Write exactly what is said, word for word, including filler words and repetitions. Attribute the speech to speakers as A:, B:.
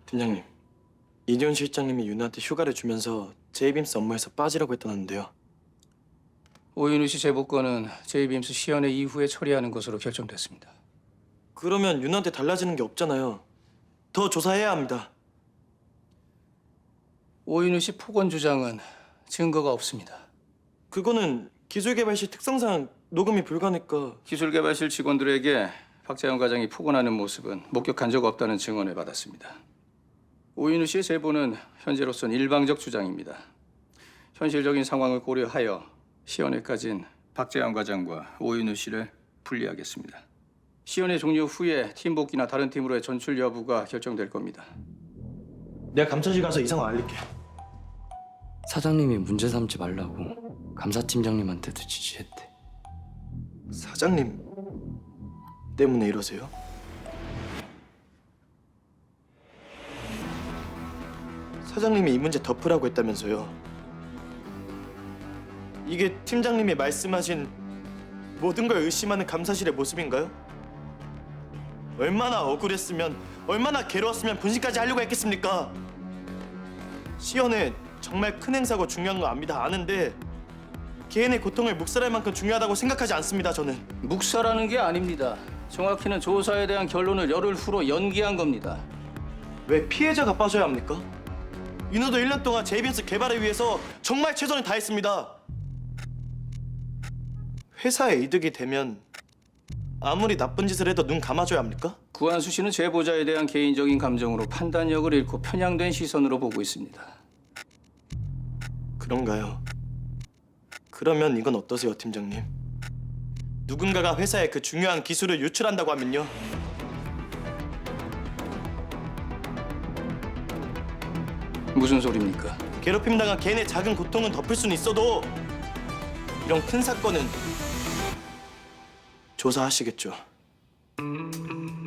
A: 팀장님, 이지훈 실장님이 윤아한테 휴가를 주면서 제이빔스 업무에서 빠지라고 했다는데요.
B: 오윤우 씨 제보건은 제이빔스 시연회 이후에 처리하는 것으로 결정됐습니다.
A: 그러면 윤아한테 달라지는 게 없잖아요. 더 조사해야 합니다.
B: 오윤우 씨 폭언 주장은 증거가 없습니다.
A: 그거는 기술개발실 특성상 녹음이 불가니까.
B: 기술개발실 직원들에게 박재현 과장이 폭언하는 모습은 목격한 적 없다는 증언을 받았습니다. 오윤우 씨의 제보는 현재로선 일방적 주장입니다. 현실적인 상황을 고려하여 시연회까지는 박재현 과장과 오윤우 씨를 분리하겠습니다. 시연회 종료 후에 팀 복귀나 다른 팀으로의 전출 여부가 결정될 겁니다.
A: 내가 감찰실 가서 이 상황 알릴게.
C: 사장님이 문제 삼지 말라고 감사팀장님한테도 지시했대.
A: 사장님 때문에 이러세요? 사장님이 이 문제 덮으라고 했다면서요. 이게 팀장님이 말씀하신 모든 걸 의심하는 감사실의 모습인가요? 얼마나 억울했으면, 얼마나 괴로웠으면 분신까지 하려고 했겠습니까? 시연에 정말 큰 행사고 중요한 거 압니다. 아는데 개인의 고통을 묵살할 만큼 중요하다고 생각하지 않습니다, 저는.
B: 묵살하는 게 아닙니다. 정확히는 조사에 대한 결론을 열흘 후로 연기한 겁니다.
A: 왜 피해자가 빠져야 합니까? 윤호도 일 년 동안 제이빔스 개발을 위해서 정말 최선을 다했습니다. 회사에 이득이 되면 아무리 나쁜 짓을 해도 눈 감아줘야 합니까?
B: 구한수 씨는 제보자에 대한 개인적인 감정으로 판단력을 잃고 편향된 시선으로 보고 있습니다.
A: 그런가요? 그러면 이건 어떠세요, 팀장님? 누군가가 회사에 그 중요한 기술을 유출한다고 하면요.
B: 무슨 소리입니까?
A: 괴롭힘 당한 개인의 작은 고통은 덮을 수는 있어도 이런 큰 사건은 조사하시겠죠.